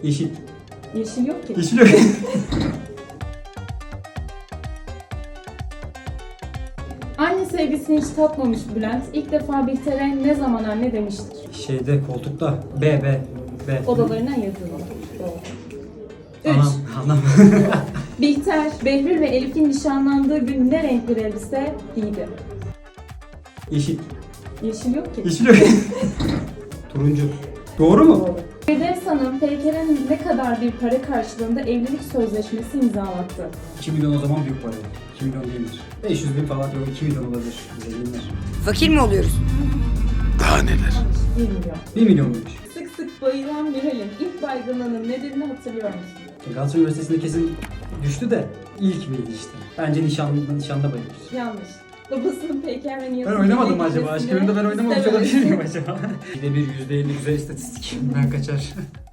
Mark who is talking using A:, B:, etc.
A: Yeşil.
B: Yeşil yok ki.
A: Yeşil yok.
B: Anne sevgisini hiç tatmamış Bülent ilk defa Bihter'e ne zaman anne demiştir?
A: Şeyde koltukta. B.
B: Odalarına yazılı. Doğru. 3.
A: Anam.
B: Bihter, Behlül ve Elif'in nişanlandığı gün ne renk bir elbise giydi?
A: Yeşil.
B: Yeşil yok ki.
A: Yeşil yok. Turuncu. Doğru mu?
B: Doğru. Firdevs Hanım, Peyker'e ne kadar bir para karşılığında evlilik sözleşmesi imzalattı?
A: 2 milyon o zaman büyük para. 2 milyon değildir. 500 bin falan yok. 2 milyon olabilir. Zenginler.
C: Fakir mi oluyoruz?
D: Daha neler?
B: Yanlış, 1 milyon.
A: 1 milyon muymuş?
B: Sık sık bayılan Miral'in ilk baygınlığının nedenini hatırlıyor musun?
A: Galatasaray Üniversitesi'nde kesin düştü de ilk miydi işte? Bence nişanda bayılır.
B: Yanlış. Babasının Peyker ve Nihat'ın
A: Ben oynamadım mı
B: evlilik
A: acaba? Aşk
B: gecesinde
A: Oyun'da ben oynamamış
B: istememesi.
A: olabilir miyim acaba? %1, %50 güzel istatistik. Ben kaçar.